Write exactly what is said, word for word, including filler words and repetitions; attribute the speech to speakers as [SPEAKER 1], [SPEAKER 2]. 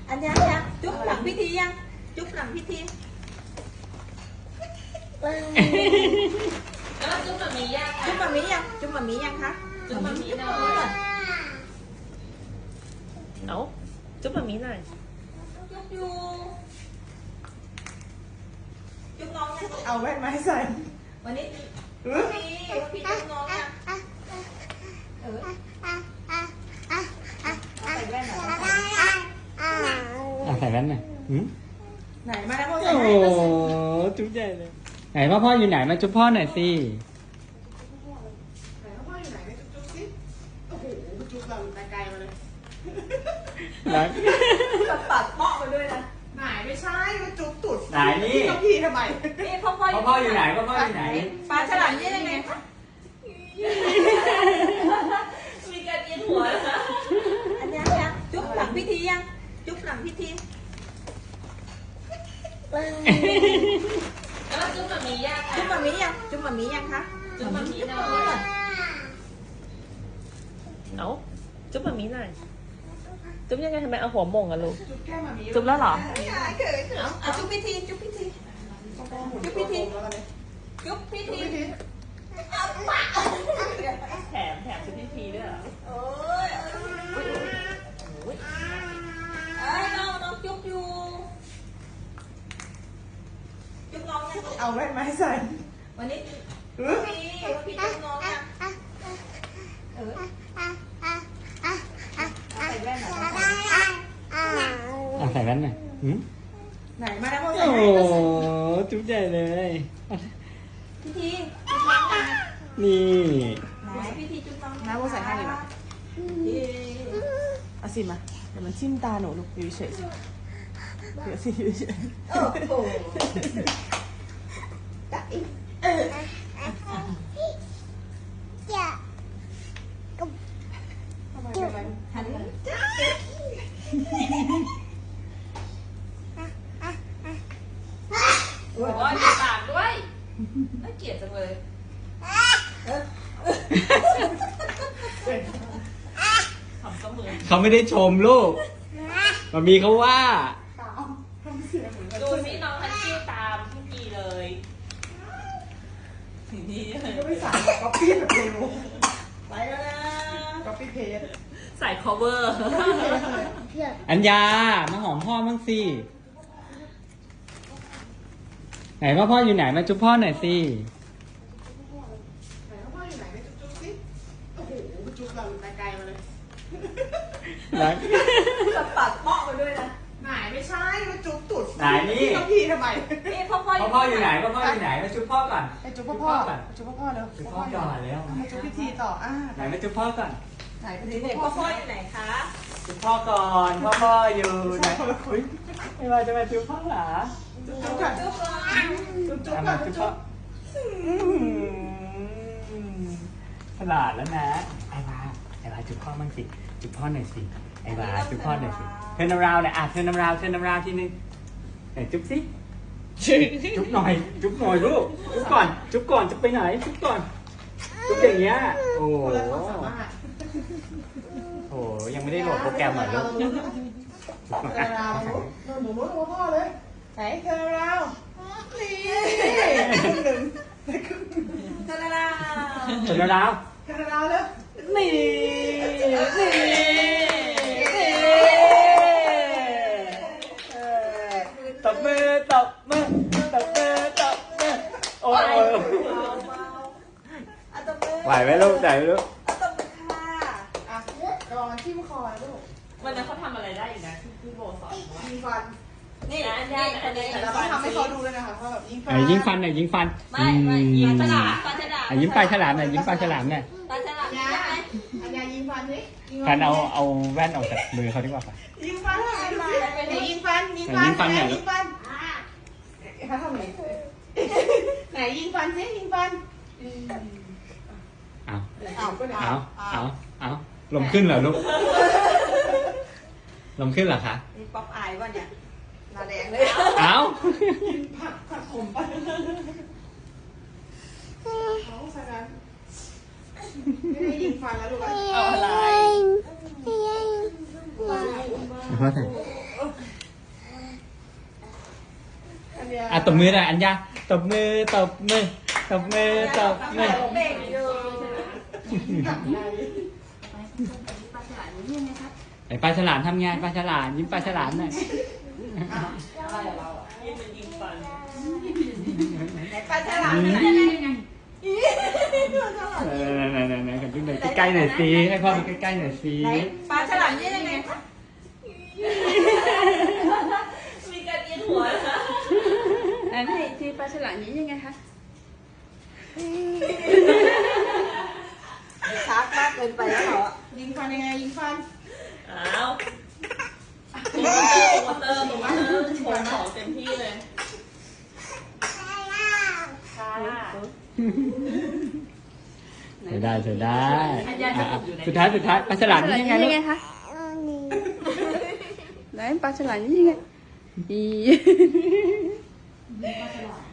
[SPEAKER 1] อันยังยังจุ๊บหลังพิธียังจุ๊บหลังพิธี
[SPEAKER 2] แล้วจุ๊บแบบนี้ยัง
[SPEAKER 1] จุ๊บมามียังจุ๊บมามียังคะ
[SPEAKER 2] จุ๊บแบบนี้หน่อย
[SPEAKER 3] เอาจุ๊บแบบนี้หน่อย
[SPEAKER 1] จุ๊บอยู่จุ๊บน้องยัง
[SPEAKER 4] เอาแว่นมาให้ใส่
[SPEAKER 1] วันนี้
[SPEAKER 4] เออ
[SPEAKER 1] พี่พี่จุ๊บน้องยังเออเอาใส่แว่นหน่อย
[SPEAKER 5] อ่ะใส่แว่นหน่อยหืม
[SPEAKER 4] ไหนมาแล้วพ่อใส่
[SPEAKER 5] โอ้
[SPEAKER 4] ให้
[SPEAKER 5] โห
[SPEAKER 4] มาสิ
[SPEAKER 5] จุ๊บใหญ่เลย ไหนพ่อพ่ออยู่ไหนมาจุ๊บพ่อหน่อยสิ
[SPEAKER 4] ไหนพ่ออยู่ไหนไปจุ๊บๆสิโอ้โหจุ๊บเราแต่ไกลมาเลย
[SPEAKER 5] รัก
[SPEAKER 1] กับปัดเปาะไปด้วยนะ
[SPEAKER 4] ไหนไม่ใช่มาจุ๊บตุด
[SPEAKER 5] ไหนนี่
[SPEAKER 4] พี่กับพี่ทำไม
[SPEAKER 1] นี่พ่อพ่อ
[SPEAKER 5] พ่อพ่ออยู่ไหนพ่อพ่ออยู่ไหน
[SPEAKER 1] ปลาฉลามนี่ยังไงคะ
[SPEAKER 2] มีการเอียนหัวนะ
[SPEAKER 1] อันยังยังจุ๊บหลังพิธียังจุ๊บหลังพิธี
[SPEAKER 2] แล้วจุ๊บแบบนี้ยัง
[SPEAKER 1] จุ๊บมามียังจุ๊บมามียังคะ
[SPEAKER 2] จุ๊บแบบนี้หน่อย
[SPEAKER 3] เอาจุ๊บแบบนี้หน่อย จุ๊บยังไงทำไมเอาหัวหม่งอะลูก
[SPEAKER 4] จุ๊บแก้มมามี
[SPEAKER 3] จุ๊บแล้วเหรอ
[SPEAKER 4] ไม่หายเกิด
[SPEAKER 1] เอาเอาจุ๊บพิธีจุ๊บพิธี
[SPEAKER 4] จุ๊บพิธีแล้วกันเลย
[SPEAKER 1] จุ๊บพิ
[SPEAKER 4] จุ๊บ
[SPEAKER 1] ธี
[SPEAKER 4] พิธี
[SPEAKER 3] แถมแถมจุ๊บพี่พีด้วยเหรอ
[SPEAKER 1] โอ้ยเอ้ยน้องน้องจุ๊บอยู่จุ๊บน้องยัง
[SPEAKER 4] เอาแว่นมาให้ใส่
[SPEAKER 1] วันนี้
[SPEAKER 4] เออ
[SPEAKER 1] พี่พี่จุ๊บน้องยังเออใส่แว่นหน่อย
[SPEAKER 5] อ่ะใส่แว่นหน่อยหืม
[SPEAKER 4] ไหนมาแล้วพ่อใส่
[SPEAKER 5] โอ้
[SPEAKER 4] ให้
[SPEAKER 5] โห
[SPEAKER 4] มาสิ
[SPEAKER 5] จุ๊บใหญ่เลย
[SPEAKER 1] พิธีจุ๊บน้องยัง
[SPEAKER 5] นี่
[SPEAKER 1] ไหนพิธีจุ๊บน้อง
[SPEAKER 4] น้าพ่อใส่ให้ดีกว่าเอาสิมาเดี๋ยวมันชิมตาหนูลูกอยู่เฉยๆสิเดี๋ยวสิอยู่เฉย
[SPEAKER 1] โอ้โห
[SPEAKER 4] ๆทำไมเป็นไร
[SPEAKER 1] หัน
[SPEAKER 2] โอ้ยมีปากด้วยน่าเกลียดจังเลย
[SPEAKER 3] ขำเสมอ
[SPEAKER 5] เขาไม่ได้ชมลูกมามีเขาว่า
[SPEAKER 4] ตาเอาทำเสียงเหมือนกัน
[SPEAKER 2] ดูสิน้องทันคิวตามพี่พีเลยนี่
[SPEAKER 4] ก็ไม่สายก๊อปปี้แบบเร็ว
[SPEAKER 1] ไปแล้วนะ
[SPEAKER 4] ก๊อปปี้เพจ
[SPEAKER 3] ใส่ cover
[SPEAKER 5] อัญญา มาหอมพ่อบ้างสิ ไหนพ่อพ่ออยู่ไหนมาจุ๊บพ่อหน่อยสิ
[SPEAKER 4] ไหนพ่ออยู่ไหนไปจุ๊บๆสิโอ้โหจุ๊บเราแต่ไกลมาเลย
[SPEAKER 5] รัก
[SPEAKER 1] กับปัดเปาะไปด้วยนะ
[SPEAKER 4] ไหนไม่ใช่มาจุ๊บตุด
[SPEAKER 5] ไหนนี่
[SPEAKER 4] พี่กับพี่ทำไม
[SPEAKER 1] นี่พ่อพ่อ
[SPEAKER 5] พ่อพ่ออยู่ไหนพ่อพ่ออยู่ไหนมาจุ๊บพ่อก่อน
[SPEAKER 4] ไปจุ๊บพ่อพ่อจุ๊บพ่อพ่อเร็ว
[SPEAKER 5] จุ๊บพ่อก่อนเร็ว
[SPEAKER 4] เอามาจุ๊บพิธีต่ออ่า
[SPEAKER 5] ไหนมาจุ๊บพ่อก่อน
[SPEAKER 4] ไหนไป
[SPEAKER 1] นี่
[SPEAKER 4] จุ๊บ
[SPEAKER 1] พ่
[SPEAKER 4] พ่
[SPEAKER 1] อ
[SPEAKER 4] อ
[SPEAKER 1] พ่
[SPEAKER 4] พ่
[SPEAKER 1] อ
[SPEAKER 4] อ
[SPEAKER 1] อยู่ไหนคะ
[SPEAKER 5] จุ๊บพ่อก่อนพ่อพ่ออยู่ไหนอุ๊ยไม่ว่าจะมาจุ๊บพ่อเหรอ
[SPEAKER 4] จุ๊บจุ๊บก่อน
[SPEAKER 1] จุ๊บก่อน
[SPEAKER 4] จุ๊บจุ๊บ
[SPEAKER 5] เอา
[SPEAKER 4] ก่อ
[SPEAKER 5] มาน จุ๊บพ่ออื้อหือฉลาดแล้วนะไอ้วาไอ้วาจุ๊บพ่อมั่งสิจุ๊บพ่อหน่อยสิไอ้วาจุ๊บพ่อหน่อยสิเทิร์นราวหน่อยอ่ะเทิร์นราวเทิร์นราวทีนึงไหนจุ๊บสิจุ๊บหน่อย จุ๊บหน่อยลูกจุ๊บก่อนจุ๊บก่อนจะไปไหนจุ๊บก่อนจุ๊บอย่างเงี้ยโอ้โห
[SPEAKER 4] คนละความสามารถ
[SPEAKER 5] โอ้โหยังไม่ได้โหลดโปรแกรมเหรอลูกจุ๊บก่อน
[SPEAKER 4] เธอ
[SPEAKER 5] อ่ะ
[SPEAKER 4] เราหนูหนูหนูพ่อเลยไหนเธอเรานี่ครึ่งหนึ่งได้ครึ่งหนึ่ง
[SPEAKER 1] ทาราลา
[SPEAKER 5] เทิร์นราว
[SPEAKER 4] เธอเราเลย
[SPEAKER 5] นี่นี่ตบมือตบมือตบมือตบมือโอ้ย
[SPEAKER 1] เบาเบาเอาตบมือ
[SPEAKER 5] ไหวไหมลูกไหวไหมลูก
[SPEAKER 1] เอาตบมือค่ะ
[SPEAKER 4] อ่ะก่อนที่มคอลูก
[SPEAKER 3] วันนั้นเขาทำอะไรได้อีกนะที่พี่โบสอนว่า
[SPEAKER 4] ยิงฟัน
[SPEAKER 1] นี่นี่คนนี้
[SPEAKER 4] แต่เราต้องทำให้เขาดูเลยนะคะว่าแบบยิงฟั
[SPEAKER 5] ไหนยิงฟันหน่อยยิงฟัน
[SPEAKER 1] ไม่ไม่ยิงปลาฉลามปลาฉลาม
[SPEAKER 5] อ่ะยิ้มปลาฉลามหน่อยยิ้มปลาฉลามหน่อย
[SPEAKER 1] ปลาฉลาม
[SPEAKER 4] อัน
[SPEAKER 1] ยั
[SPEAKER 4] ยาง
[SPEAKER 1] ไง
[SPEAKER 4] อันยายิงฟันสิ
[SPEAKER 5] กันเอาเอาแว่นออกจากมือเขาดีกว่าป่ะ
[SPEAKER 4] ยิงฟันไหนยิงฟันยิงฟัน
[SPEAKER 5] ไหนยิงฟันหน่อย
[SPEAKER 4] ยิงฟันเขาทำไงไหนยิงฟันสิยิงฟัน
[SPEAKER 5] เอา
[SPEAKER 4] เอาก็ได้
[SPEAKER 5] เอาเอาเอาลมขึ้นเหรอลูกลมขึ้นเหรอคะ
[SPEAKER 1] นี่ป๊อปอายวะเนี่ยหน้าแดงเลย
[SPEAKER 5] เอา
[SPEAKER 4] ผักผักผมไปเขาใส่กันไม่ได้ยิงฟันแล้วดูกัน
[SPEAKER 3] เอาอะไร
[SPEAKER 5] พ่อถ่ายอ่ะตบมือหน่อยอัญญาตบมือตบมือตบมือตบมือ
[SPEAKER 1] เบ่งอยู่
[SPEAKER 2] ปลาฉลามนี่ยังไงครับ
[SPEAKER 5] ไอ้ปลาฉลามทำไงปลาฉลามยิ้มปลาฉลามหน่อย
[SPEAKER 1] ไหนปลาฉลามนี่ยังไง
[SPEAKER 5] เออไหนไหนไหนกันดูหน่อยใกล้ๆหน่อยสิให้พ่อดูใกล้ๆหน่อยสิ
[SPEAKER 1] ไหนปลาฉลามนี่ยังไงคะ
[SPEAKER 3] มีการเอียงหัวนะคะ
[SPEAKER 2] อันนี้ที่ปลาฉลามนี้ยังไงคะ
[SPEAKER 1] ชาร์จมากเกินไปแล้วเหรอ
[SPEAKER 4] ยิงฟันยังไงยิงฟัน
[SPEAKER 3] อ้าวโปรโมเตอร์โปรโมเตอร์โปรโมเตอร์โชว์ของเต็มที่เลย
[SPEAKER 5] เธอได้เธอได้อ่ะสุดท้ายสุดท้ายปลาฉลามนี่ยังไงลูก
[SPEAKER 2] คะไหนปลาฉลามนี่ยังไงอี